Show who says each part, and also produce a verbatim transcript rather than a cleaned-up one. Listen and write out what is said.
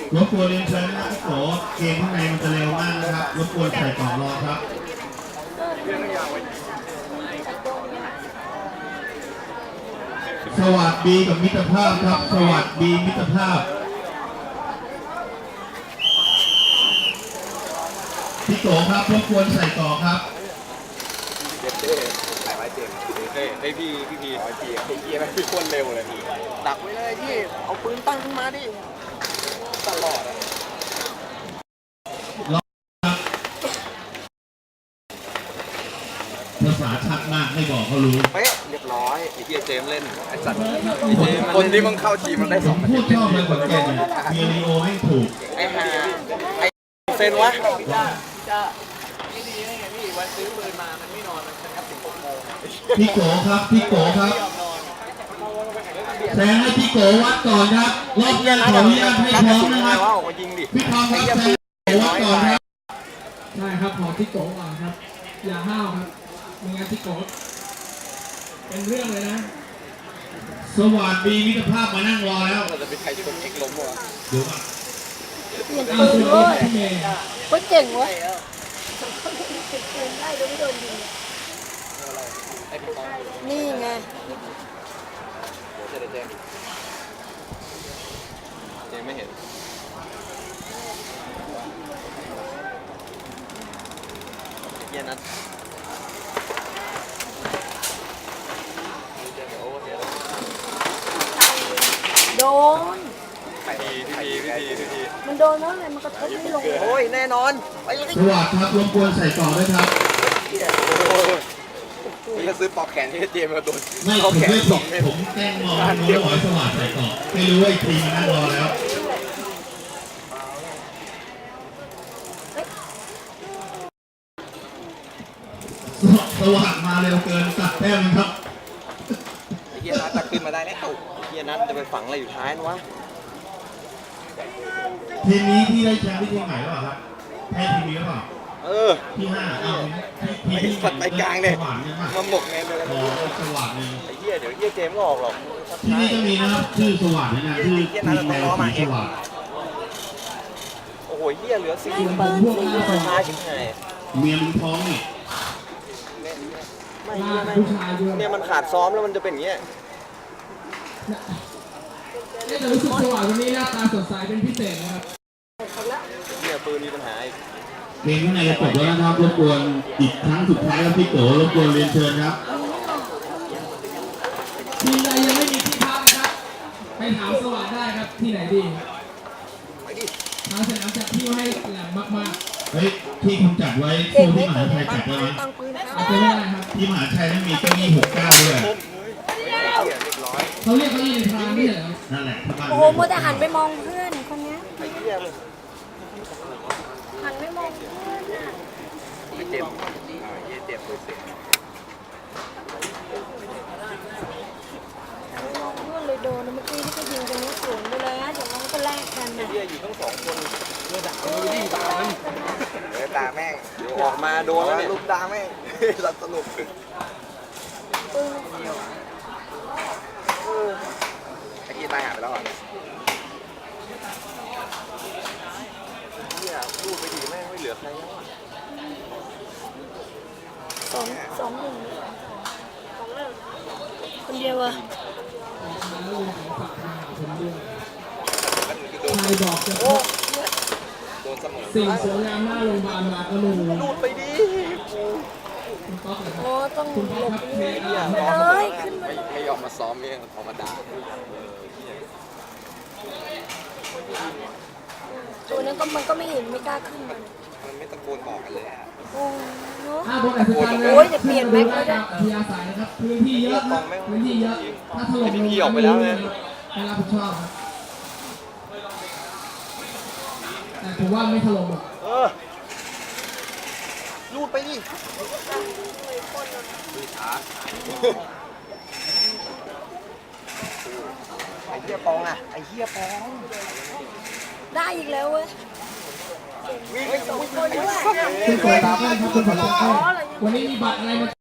Speaker 1: รบกวนเรียนเชิญนะครับพี่โกเกมข้างในมันจะเร็วมากนะครับรบกวนใส่กล่องรอครับสวัสดีกับมิตรภาพครับสวัสดีมิตรภาพพี่โกครับรบกวนใส่กล่องครับ
Speaker 2: เจ็บเจ๊หายไว้เจ็บเฮ้ยให้พี่พี่พี่ไอ้พี่ไอ้พี่มันพี่คนเร็วเลยพี่ดักไว้เลยพี่เอาปืนตั้งขึ้นมาดิตลอด
Speaker 1: ภาษาชัดมากไม่บอกเขารู้
Speaker 2: เป๊ะเรียบร้อยไอ้พี่เจมเล่นไอ้สัตว์คนที่มึงเข้าทีมมันได้สอง
Speaker 1: พูดชอบเลยคนแก่เนี่ยเบียริโอให้ถูก
Speaker 2: ไอ้ห่าไอ้เซนวะจะไม่ดีได้ไงพี่วันซื้อปืนมามันไม่นอนมันครับถึงหกโมง
Speaker 1: พี่โกครับพี่โกครับแซงให้พี่โกวัดก่อนครับรอบแรกขออนุญาตให้พร้อมนะครับพี่ทอมครับแซงโกวัดก่อนครับ
Speaker 3: ใช่ครับขอพี่โกก่อนครับอย่าห้าวครับไม่งั้นพี่โกเป็นเรื่องเลยนะ
Speaker 1: สวัสดีมิตรภาพมานั่งรอแล้ว
Speaker 2: เราจะไปใครชนเอกล้มวะ
Speaker 1: เดี๋ยวก่อน
Speaker 3: เปลี่ยนปืนเลย
Speaker 4: ก็เจ๋งวะปืนไล่โดยไม่โดนยิงนี่ไง
Speaker 2: เจเจเจไม่เห็นเย็นนัด
Speaker 4: โดน
Speaker 2: พี่พี่พี่พี่พี่
Speaker 4: มันโดนแล้วไงมันกระทบไม่ลง
Speaker 2: โอ้ยแน่นอนไปเลย
Speaker 1: สวัสดีครับรบกวนใส่กล่องด้วยครับ
Speaker 2: พี่ก็ซื้อปอกแขนที่เจมมาโดน
Speaker 1: ไม่ผมไม่สองผมแกล้งมองน้องหอยสวัสดิ์ใส่กล่องไม่รู้ว่าอีกทีมันนั่งรอแล้วสวัสดิ์มาเร็วเกินตัดแต้มครับ
Speaker 2: ไอ้เฮียนัทจะขึ้นมาได้แล้วไอ้เฮียนัทจะไปฝังอะไรอยู่ท้ายนะวะ
Speaker 1: ทีมนี้ที่ได้แชมป์ที่ทีมไหนหรือเปล่าครับแพ้ทีมนี้หรือเปล่า
Speaker 2: เออ
Speaker 1: ที่ห้าเอา
Speaker 2: ที่ที่สัตว์ไปกลางเลยมาหมกเงินเลย
Speaker 1: อ๋อสวัสดิ์นึง
Speaker 2: ไอ้เฮียเดี๋ยวเฮียเจมก็ออกหรอก
Speaker 1: ที่นี่ก็มีนะครับชื่อสวัสดิ์นะชื่อทีมแมวสีสวัสดิ์
Speaker 2: โอ้โหเฮียเหลือสี่คน
Speaker 3: พวกหน้าตา
Speaker 2: ท้ายชิบหาย
Speaker 1: เมียมึงท้องนี่
Speaker 2: ไม่ผู้ชายด้วยเนี่ยมันขาดซ้อมแล้วมันจะเป็นอย่างเงี้ย
Speaker 3: นี่แต่รู้สึกสว่างวันนี้หน้าตาสดใสเป็นพิเศษนะครับ
Speaker 2: เนี่ยปืนมีปัญหาอีก
Speaker 1: เกมข้างในจะจบแล้วนะครับรบกวนอีกครั้งสุดท้ายแล้วพี่โตรบกวนเรียนเชิญครับ
Speaker 3: ทีมใดยังไม่มีที่พักนะครับไปถามสว่างได้ครับที่ไหนดีทางสนามจัดที่ให้แหลมมาก
Speaker 1: ๆเฮ้ยที่คุณจัดไว้สู้ที่มหาชัยจัดไว้ไหม
Speaker 3: เอาไปไม่ได้ครับ
Speaker 1: ที่มหาชัยนั้นมีเก้าอี้หกเก้าด้วย
Speaker 3: เขาเรียกเขาอยู่ในพรางนี่เหรอ
Speaker 1: นั่นแหละ
Speaker 4: โอ้โหมัวแต่หันไปมองเพื่อนคนนี้หันไม่มองเพื่อนอ่ะ
Speaker 2: ไม่เจ็บไม่เจ็บเลยสิ
Speaker 4: มองเพื่อนเลยโดนเมื่อกี้ที่เขายิงตรงนี้สวนไปเลยนะเดี๋ยวน้องก็แลกกันนะ
Speaker 2: เฮียอยู่ทั้งสองคนเลือดด่าไม่ดีตามันเลือดด่าแม่งออกมาโดนแล้วเนี่ยลูกด่าแม่งรัดสนุก
Speaker 4: ปืน
Speaker 2: ไอ้ที่ตายหายไปแล้วอ่ะเนี่ยรูดไปดีแม่งไม่เหลือใครแล้วอ่ะ
Speaker 4: สองสองหนึ่งคนเดียวอะ
Speaker 3: ใครบอกจะพบสิ่งสวยงามหน้าโรงพยาบาลมาก็รู้
Speaker 2: รูดไปดี
Speaker 4: โอ้ต้องหลบเลยขึ้นมา
Speaker 2: ให้ออกมาซ้อมเนี่ยออกมาด่า
Speaker 4: ตัวนั้นก็มันก็ไม่เห็นไม่กล้าขึ้น
Speaker 2: มันมันไม่ตะโกนบอกกันเลยอ่ะ
Speaker 4: โอ้โห
Speaker 3: ถ้าบนอัศจรรย์
Speaker 4: โอ้ยจะเปลี่ยนแม็กก็ได้
Speaker 3: พยาสายนะครับพื้นที่เยอะครับพื้นที่เยอะถ้าถล่มลง
Speaker 2: พี่ออกไปแล้วเนี่ย
Speaker 3: ไม่รับผิดชอบครับแต่ผมว่าไม่ถล่มหรอก
Speaker 2: เออรูดไปดิดูช้าไอ้เหี้ยปองอ่ะไอ้เหี้ยปอง
Speaker 4: ได้อีกแล้วเว้ย
Speaker 3: คุณขอตามครับคุณขอตามวันนี้มีบัตรอะไรมา